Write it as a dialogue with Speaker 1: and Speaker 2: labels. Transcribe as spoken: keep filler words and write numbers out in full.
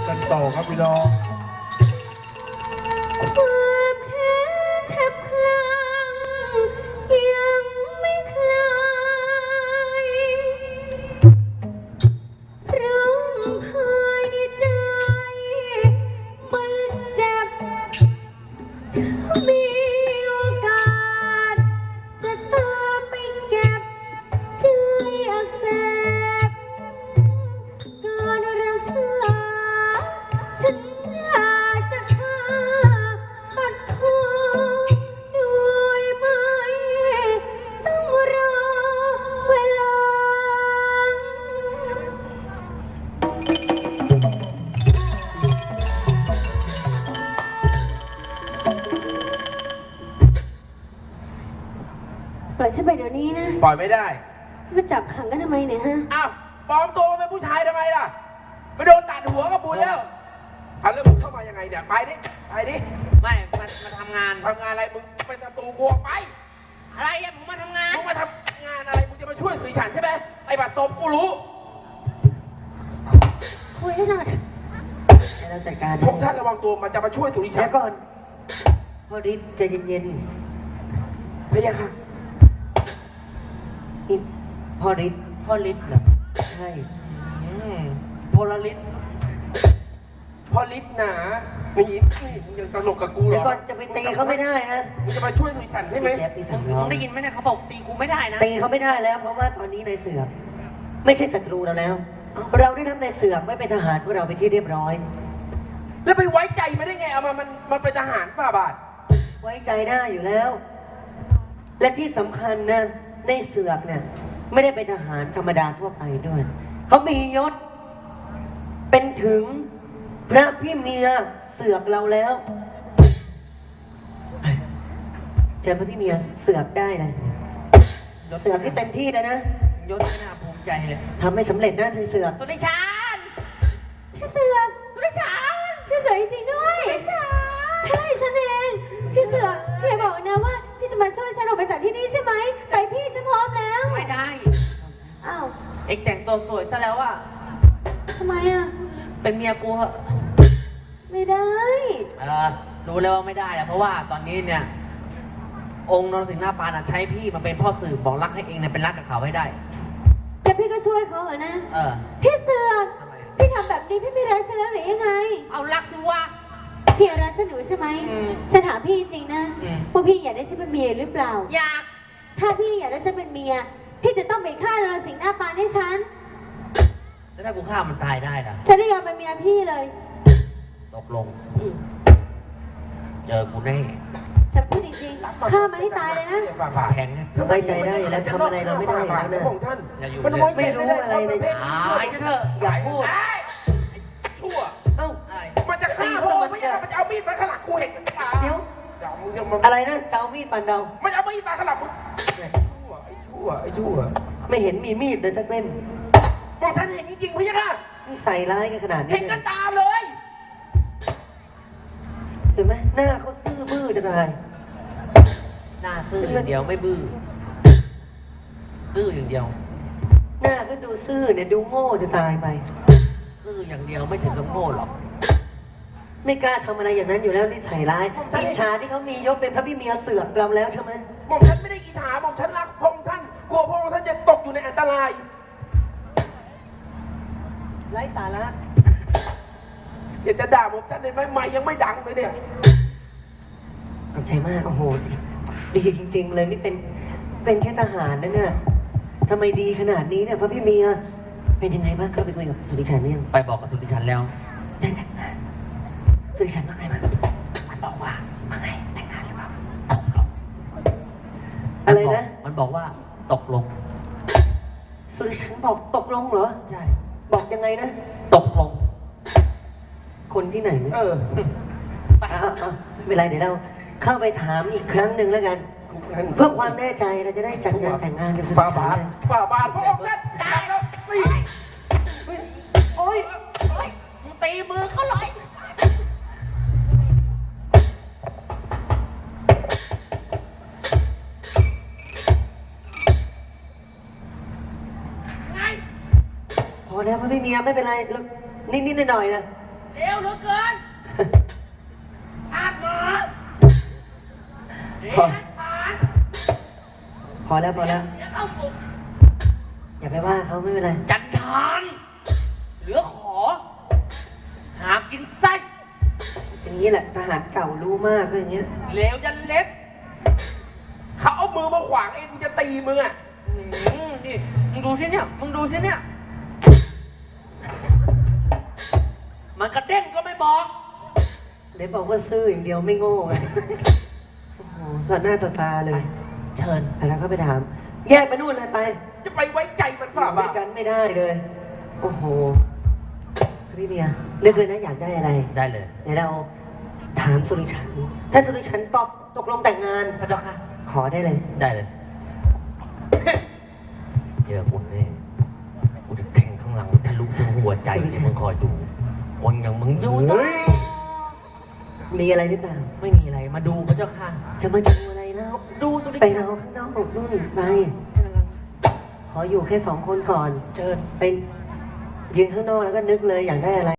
Speaker 1: กันต่อครับพี่น้อง
Speaker 2: ความแค้นแทบคลั่งยังไม่คลายร้องไห้ในใจมันเจ็บมีโอกาสจะตามไปเก็บใจอักเสบการรักษาฉันอยากจะฆ่าตัดคอโดยไม่ต้องรอเวลาปล่อยฉันไปเดี๋ยวนี้นะ
Speaker 1: ปล่อยไม่ได้
Speaker 2: มาจับขังกันทำไมเนี่ยฮะ
Speaker 1: อ้าวปลอมตัวเป็นผู้ชายทำไมล่ะไปโดนตัดหัวก็บุญแล้วอ่ะแล้วมึงเข้ามายังไงเนี่ยไปดิไปดิ
Speaker 3: ไม่มามาทำงาน
Speaker 1: ทำงานอะไรมึงเป็นศัตรูกูไป
Speaker 3: อะไรอะผมมาทำงาน
Speaker 1: มึงมาทำงานอะไรมึงจะมาช่วยสุริฉันใช่ไหมไอ้บัตรศพกูรู้
Speaker 2: คุยให้หน่อย
Speaker 4: ให้เราจัดการ
Speaker 1: พวกท่านระวังตัวมันจะมาช่วยสุริฉัน
Speaker 4: เดี๋ยวก่อนพ่อฤทธิ์ใจเย็น
Speaker 1: ๆพะยะค่ะ
Speaker 4: นี่พ่อฤทธิ์
Speaker 3: พ่อฤทธิ์เหรอ
Speaker 4: ใช่
Speaker 3: โพลาริส
Speaker 1: พอฤทธิ์หนานี่นี่มึงยังตลกกับกูเหรอ
Speaker 4: เดี๋ยวก่อนจะไปตีเขาไม่ได้นะ
Speaker 1: มึงจะมาช่วยสุริฉันใช่ไหม
Speaker 3: มึงได้ยินไหมเนี่ยเขาบอกตีกูไม่ได้นะ
Speaker 4: ตีเขาไม่ได้แล้วเพราะว่าตอนนี้นายเสือกไม่ใช่ศัตรูเราแล้วเราได้นำนายเสือกไว้เป็นทหารของเราไปที่เรียบร้อย
Speaker 1: แล้วไปไว้ใจมันได้ไงเอามามันมันเป็นทหารฝ่าบาท
Speaker 4: ไว้ใจได้อยู่แล้ว และที่สำคัญนะในเสือกเนี่ยไม่ได้เป็นทหารธรรมดาทั่วไปด้วยเขามียศเป็นถึงพระพี่เมียเสือกเราแล้วเจอพระพี่เมียเสือกได้เลยเสือกที่เต็มที่แล้วนะ
Speaker 3: ยศไม่น่าภูมิใจเลย
Speaker 4: ทำไม่สำเร็จนะเธอเสือก
Speaker 3: สุริชัน
Speaker 2: พี่เสือก
Speaker 3: สุริชัน
Speaker 2: พี่เสือกจริงๆด้วยใช่ฉันเองพี่เสือกพี่บอกนะว่าพี่จะมาช่วยฉันออกไปจากที่นี่ใช่ไหมไปพี่ฉันพร้อมแล้ว
Speaker 3: ไม่ได้
Speaker 2: อ้าว
Speaker 3: เอ็กแต่งตัวสวยซะแล้วอะ
Speaker 2: ทำไมอะ
Speaker 3: เป็นเมียกูเหรอ
Speaker 2: ไม่ได้
Speaker 3: เออรู้แล้วว่าไม่ได้แหละเพราะว่าตอนนี้เนี่ยองค์นรสิงห์หน้าปานใช้พี่มาเป็นพ่อสื่อบอกรักให้เองเนี่ยเป็นรักกับเขาให้ได้
Speaker 2: แต่พี่ก็ช่วยเขาเหรอนะ
Speaker 3: เออ
Speaker 2: พี่เสือกพี่ทำแบบนี้พี่ไม่รักฉันแล้วหรือยังไง
Speaker 3: เอารักสิวะ
Speaker 2: พี่รักฉันหนูใช่ไหมฉันถามพี่จริงนะว่าพี่อยากได้ฉันเป็นเมียหรือเปล่า
Speaker 3: อยาก
Speaker 2: ถ้าพี่อยากได้ฉันเป็นเมียพี่จะต้องไปฆ่านรสิงห์หน้าปานให้ฉัน
Speaker 3: แล้วถ้ากูฆ่ามันตายได้ล่ะ
Speaker 2: ฉันไม่ยอมเป็นเมียพี่เลย
Speaker 3: ตกลงเจอกูแน่
Speaker 2: ฉันพูดจริงๆฆ่ามันให้ตายเลยนะ
Speaker 3: แข็ง
Speaker 4: ไว้ใจได้แล้วทำอะไรเราไม่ได้แล้วนะ
Speaker 1: ท่าน
Speaker 4: มันไม่รู้อะไรเลย
Speaker 3: ตายเถอะ
Speaker 4: อย่าพูด
Speaker 1: ชั่วเอ้ามันจะฆ่าพ่อไม่ใช่มันจะเอามีดฟันขลับกูเห็นกันตา
Speaker 4: เดี๋ยวอะไรนะจะเอามีดฟันเรา
Speaker 1: มันเอามีดฟันขลับมึงชั่วไอ้ชั่วไอ้ชั่ว
Speaker 4: ไม่เห็นมีมีดเลยสักเล่ม
Speaker 1: มองท่านเห็นจริงๆพี่ค่ะ
Speaker 4: นี่ใส่ร้ายกันขนาดนี้
Speaker 1: เห็นกันตาเลย
Speaker 4: เห็นไหมหน้าเขาซื่อบื้อจะตาย
Speaker 3: หน้าซื่ออย่างเดียวไม่บื้อซื่ออย่างเดียว
Speaker 4: หน้าก็ดูซื่อเนี่ยดูโง่จะตายไป
Speaker 3: ซื่ออย่างเดียวไม่ถึงกับโง่หรอก
Speaker 4: ไม่กล้าทำอะไรอย่างนั้นอยู่แล้วนี่ใส่ร้ายอิจฉาที่เขามียศเป็นพระพี่เมียเสือกเราแล้วใช่ไหม
Speaker 1: มองท่านไม่ได้อิจฉามองท่านรักพงท่านกลัวพงท่านจะตกอยู่ในอันตราย
Speaker 4: ไร้สาระ
Speaker 1: อยากจะด่าผมท่านเลยไหมไม่ยังไม่ดังเลยเนี่ย
Speaker 4: ขอบใจมากโอ้โหดีจริงๆเลยนี่เป็นเป็นแค่ทหารนะเนี่ยทำไมดีขนาดนี้เนี่ยพระพี่เมียเป็นยังไงบ้างเข้าไปคุยกับสุริชันเนี่ย
Speaker 3: ไปบอกกับสุริชันแล้ว
Speaker 4: ได้แต่งงานสุริชันว่าไงบ้างมันบอกว่าว่าไงแต่งงานหรือเปล่าตกลงอะไรนะ
Speaker 3: มันบอกว่าตกลง
Speaker 4: สุริชันบอกตกลงเหรอ
Speaker 3: ใช่
Speaker 4: บอกยังไงนะ
Speaker 3: ตกลง
Speaker 4: คนที่ไหน
Speaker 1: เออ
Speaker 4: ไม่เป็นไรเดี๋ยวเราเข้าไปถามอีกครั้งหนึ่งแล้วกันเพื่อความแน่ใจเราจะได้จัดงานแต่งงานกันสุดท้าย
Speaker 1: ฝ่าบาทฝ่าบาทพระองค์ท่านตายแล้วตี
Speaker 3: โอ้ยตีมือเขาเลย
Speaker 4: พอแล้วไม่มีไม่เป็นไรนิดๆหน่อยๆนะ
Speaker 3: เร็วเหลือเกินชาติหมาเดี๋ยวชาติ
Speaker 4: พอแล้วพอแล้ว
Speaker 3: เดี๋ยวเข้าสุก
Speaker 4: อย่าไปว่าเขาไม่เป็นไร
Speaker 3: จันทานเหลือขอ หากินไส้
Speaker 4: อย่างนี้แหละทหารเก่ารู้มากเลยอย่างเงี้ย
Speaker 3: เหลวยันเล็บ
Speaker 1: เขาเอามือมาขวางเองกูจะตีมึงอ่ะ
Speaker 3: อืมนี่มึงดูสิเนี่ยมึงดูสิเนี่ย มันกระเด้งก็ไม่บอก
Speaker 4: เดี๋ยวบอกว่าซื่ออย่างเดียวไม่โง่ไงโอ้โหต่อหน้าต่อตาเลย
Speaker 3: เชิญ
Speaker 4: แล้วก็ไปถาม แยกไปนู่นเลยไป
Speaker 1: จะไปไว้ใจมัน
Speaker 4: อ
Speaker 1: ฝ่า
Speaker 4: ยู่
Speaker 1: บ้า
Speaker 4: ด้วยกันไม่ได้เลย โอ้โหพี่เมียเลือกเลยนะอยากได้อะไร
Speaker 3: ได้เลย
Speaker 4: เดี๋ยวเราถามสุริชัน ถ้าสุริชันตอบตกลงแต่งงาน
Speaker 3: พระเจ้าค่ะ
Speaker 4: ขอได้เลย
Speaker 3: ได้เลย เจอคุณแน่กูจะแทงข้างหลังทะลุถึงหัวใจมึงคอยดูคนอย่างมึงอยู่ตรงนี้
Speaker 4: มีอะไรหรือเปล่า
Speaker 3: ไม่มีอะไรมาดูพระเจ้าค่ะ
Speaker 4: จะมาดูอะไรแล้ว
Speaker 3: ดูสุริ
Speaker 4: ไป
Speaker 3: ชั
Speaker 4: เรา
Speaker 3: น
Speaker 4: ข้างนอกนู่นไป ขออยู่แค่สองคนก่อน
Speaker 3: เชิญ
Speaker 4: ไปยืนข้างนอกแล้วก็นึกเลยอยากได้อะไร